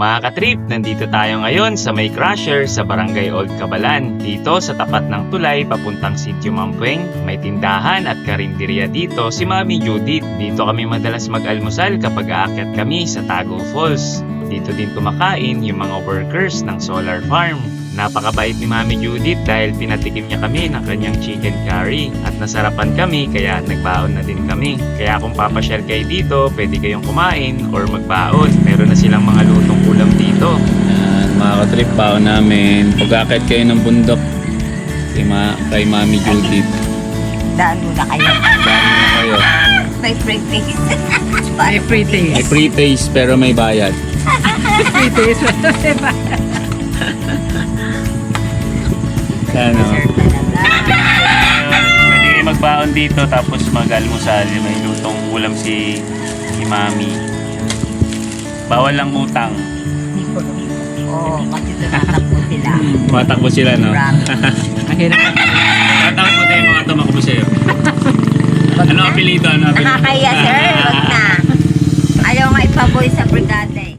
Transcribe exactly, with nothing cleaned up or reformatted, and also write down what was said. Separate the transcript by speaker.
Speaker 1: Mga katrip, nandito tayo ngayon sa May Crusher sa Barangay Old Cabalan. Dito sa tapat ng tulay papuntang Sitio Mampueng, may tindahan at karinderya dito si Mami Judith. Dito kami madalas mag-almusal kapag aakyat kami sa Tago Falls. Dito din kumakain yung mga workers ng solar farm. Napakabait ni Mami Judith dahil pinatikim niya kami ng kanyang chicken curry at nasarapan kami kaya nagbaon na din kami. Kaya kung papasyal kayo dito, pwede kayong kumain or magbaon. Meron na silang mga lutong ulam dito.
Speaker 2: Yan, mga katrip baon namin. Pag-akit kayo ng bundok kay, ma kay Mami Judith.
Speaker 3: Daan muna kayo.
Speaker 2: Daan na kayo.
Speaker 3: May free taste.
Speaker 4: May free
Speaker 2: May
Speaker 4: taste.
Speaker 2: free taste pero may bayad.
Speaker 4: Free taste.
Speaker 2: Ano?
Speaker 1: Pwede kayo magbaon dito tapos mag-almusal. May lutong ulam si, si Mami. Bawal lang utang.
Speaker 3: Oo, kasi tumatakbo sila.
Speaker 2: Matakbo sila, no?
Speaker 3: Promise.
Speaker 4: Ang hirap.
Speaker 2: Tatawag mo tayo mga tumakbo sa'yo. Ano apelido? Ano apelido?
Speaker 3: Nakakaya, sir. Wag na. Ayaw nga ipaboy sa brigada eh.